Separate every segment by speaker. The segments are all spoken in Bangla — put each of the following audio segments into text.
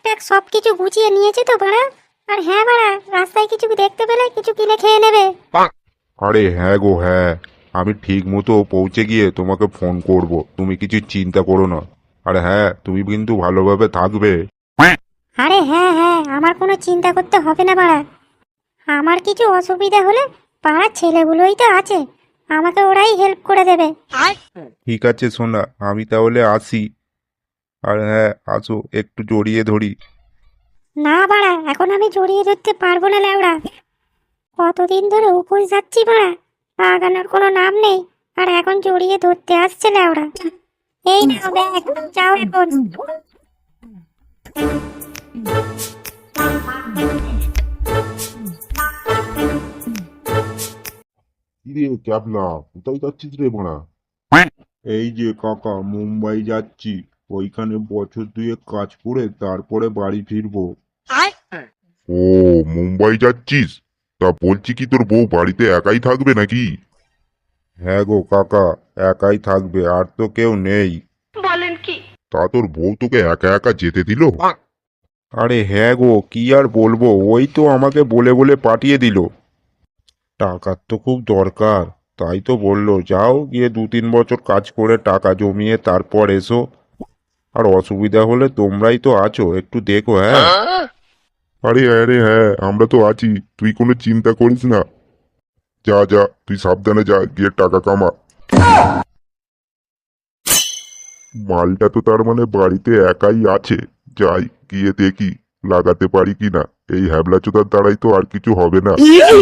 Speaker 1: ট্যাগ সবকিছু গুছিয়ে নিয়েছে তো বাড়া? আর হ্যাঁ বাড়া, রাস্তায় কিছু দেখতে পেলে কিছু কিনে খেয়ে নেবে।
Speaker 2: আরে হ্যাঁ গো হ্যাঁ, আমি ঠিক মতো পৌঁছে গিয়ে তোমাকে ফোন করব, তুমি কিছু চিন্তা করো না। আর হ্যাঁ, তুমি কিন্তু ভালোভাবে থাকবে।
Speaker 1: আরে হ্যাঁ হ্যাঁ, আমার কোনো চিন্তা করতে হবে না বাড়া। আমার কিছু অসুবিধা হলে পাড়ার ছেলেগুলোই তো আছে, আমাকে ওরাই হেল্প করে দেবে।
Speaker 2: ঠিক আছে সোনা, আমি তাহলে আসি। আর হ্যাঁ, আসো একটু জড়িয়ে ধরি।
Speaker 1: না বাড়া, এখন আমি জড়িয়ে ধরতে পারবো না ল্যাওড়া। কতদিন ধরে উপোস যাচ্ছি বাড়া, লাগানোর কোনো নাম নেই, আর এখন জড়িয়ে ধরতে আসছে ল্যাওড়া। এই নাও ব্যাগ, যাও এখন।
Speaker 2: কিরে ক্যাবলা, কোথায় যাচ্ছিস রে মারা? এই যে কাকা, মুম্বাই যাচ্ছি। ওইখানে বছর দুয়েক কাজ করে তারপরে বাড়ি ফিরবো। ও, মুম্বাই যাচ্ছিস? তা বলছি কি, তোর বউ বাড়িতে একাই থাকবে নাকি? হ্যাঁ গো কাকা, একাই থাকবে, আর তো কেউ নেই।
Speaker 3: বলেন কি?
Speaker 2: তা তোর বউ তোকে একা একা যেতে দিল? আরে হ্যাঁ গো, কি আর বলবো, ওই তো আমাকে বলে বলে পাঠিয়ে দিল। টাকার তো খুব দরকার, তাই তো বললো যাও গিয়ে 2-3 বছর কাজ করে টাকা জমিয়ে তারপর এসো। আর অসুবিধা হলে তোমরাই তো আছো, একটু দেখো। হ্যাঁ, আরে হ্যাঁ, আমরা তো আছি, তুই কোনো চিন্তা করিস না। যা যা, তুই সাবধানে যা, গিয়ে টাকা কামা। মালটা তো তার মানে বাড়িতে একাই আছে। যাই গিয়ে দেখি লাগাতে পারি কিনা। এই হ্যাবলাচোদার দ্বারাই তো আর কিছু হবে না।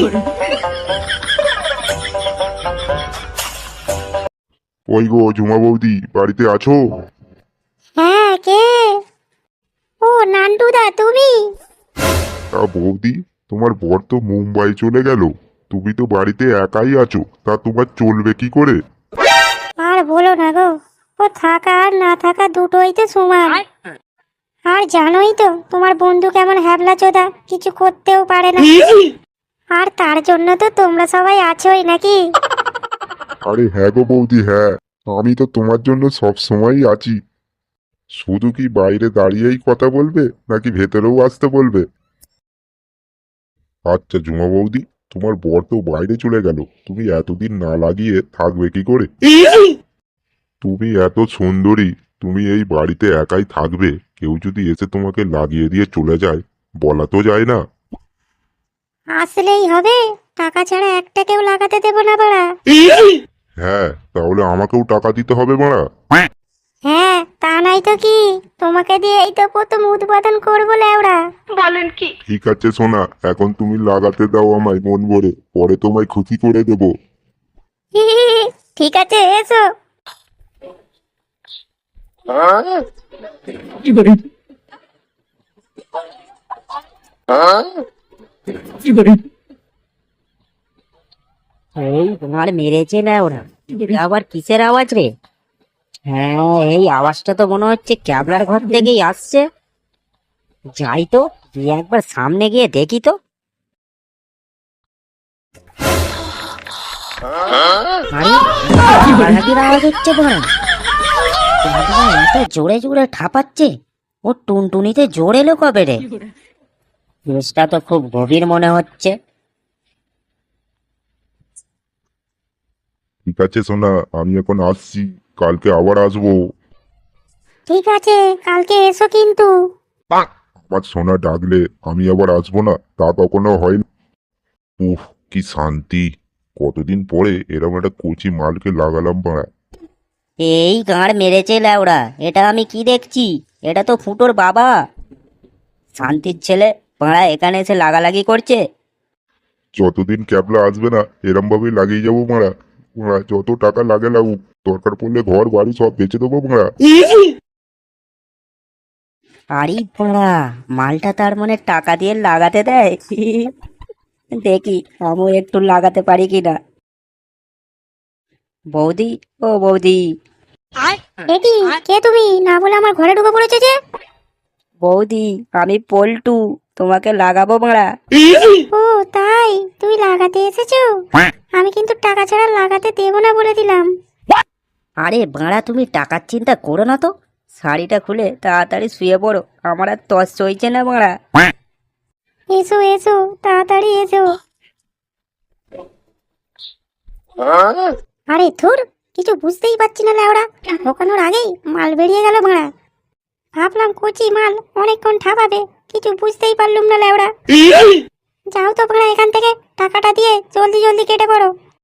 Speaker 2: ওই গো ঝুমা বৌদি, বাড়িতে আছো?
Speaker 1: হ্যাঁ, কে? ও নান্টুদা, তুমি?
Speaker 2: তা বৌদি, তোমার বর তো মুম্বাই চলে গেল, তুমি তো বাড়িতে একাই আছো, তা তোমার চলবে কি করে?
Speaker 1: আর বলো না গো, ও থাকা আর না থাকা দুটোই তো সমান। আর জানোই তো তোমার বন্ধু কেমন হ্যাবলা চোদা, কিছু করতেও পারে না। আর তার জন্য তো তোমরা সবাই আছোই নাকি?
Speaker 2: আরে হ্যাঁ গো বৌদি হ্যাঁ, আমি তো তোমার জন্য সব সময়ই আছি। শুধু কি বাইরে দাঁড়িয়েই কথা বলবে, নাকি ভেতরেও আসতে বলবে? আচ্ছা ঝুমা বৌদি, তোমার বর তো বাইরে চলে গেল, তুমি এতদিন না লাগিয়ে থাকবে কি করে? তুমি এত সুন্দরী, তুমি এই বাড়িতে একাই থাকবে, কেউ যদি এসে তোমাকে লাগিয়ে দিয়ে চলে যায়, বলা তো যায় না।
Speaker 1: আসলেই হবে, টাকা ছাড়া একটা কেউ লাগাতে দেবো না বাড়া।
Speaker 2: হ্যাঁ, তাহলে আমাকেও টাকা দিতে হবে মারা।
Speaker 1: হ্যাঁ, তা নাই তো কি, তোমাকে দিয়ে এই তো প্রথম উদ্বোধন করবো ল্যাওড়া।
Speaker 3: বলেন কি?
Speaker 2: ঠিক আছে সোনা, এখন তুমি লাগাতে দাও আমায় মন ভরে, পরে তোমায় খুশি করে দেবো।
Speaker 1: ঠিক আছে, এসো।
Speaker 4: এই তোমার মেরেছে না ওরা? আবার কিসের আওয়াজ রে? হ্যাঁ, এই আওয়াজটা তো মনে হচ্ছে ক্যাবলার ঘর থেকেই আসছে। যাই তো, গিয়ে একবার সামনে গিয়ে দেখি তো। আরে, হাঁটাহাঁটির আওয়াজ হচ্ছে বড়া। ক্যাবলা এত জোরে জোরে ঠাপাচ্ছে, ও টুনটুনিতে জোর এলো কবে রে? কেসটা তো খুব গভীর মনে হচ্ছে।
Speaker 2: ঠিক আছে সোনা, আমি এখন আসছি, কালকে আবার আসবো।
Speaker 1: ঠিক আছে, কালকে এসো কিন্তু।
Speaker 2: আমার সোনা ডাকলে আমি আবার আসবো না, তা কখনো হয় না। উফ, কি শান্তি! কতদিন পরে এরকম একটা কচি মালকে লাগালাম পাড়া।
Speaker 4: এই গাঁড় মেরেছে ল্যাওড়া, এটা আমি কি দেখছি? এটা তো ফুটোর বাবা। শান্তির ছেলে পাড়া এখানে এসে লাগালাগি করছে।
Speaker 2: যতদিন ক্যাবলা আসবে না, এরম ভাবেই লাগিয়ে যাবো মারা। মারা, যত টাকা লাগে লাগুক, দরকার পড়লে ঘর বাড়ি সব বেচে দেবো মারা।
Speaker 4: আরে পাড়া, মালটা তার মানে টাকা দিয়ে লাগাতে দেয়। দেখি আমিও একটু লাগাতে পারি কিনা। বৌদি, ও বৌদি।
Speaker 1: এটি কে তুমি? না বলে আমার ঘরে ঢুকে পড়েছে যে।
Speaker 4: বৌদি, আমি পল্টু, তোমাকে লাগাবো মারা।
Speaker 1: ও তাই, তুমি লাগাতে এসেছো? আমি কিন্তু টাকা ছাড়া লাগাতে দেবো না বলে দিলাম।
Speaker 4: আরে বাড়া, তুমি টাকার চিন্তা করো না তো। শাড়িটা খুলে তাড়াতাড়ি শুয়ে পড়ো, আমার আর তস সইছে না বাড়া।
Speaker 1: এসো এসো, তাড়াতাড়ি এসো। আরে ধুর, কিছু বুঝতেই পারছি না লেওড়া, ঢোকানোর আগেই মাল বেরিয়ে গেল ভাড়া। ভাবলাম কচি মাল অনেকক্ষণ ঠাপাবে, কিছু বুঝতেই পারলুম না লেওড়া। যাও তো ভাড়া এখান থেকে, টাকাটা দিয়ে জলদি জলদি কেটে পড়ো।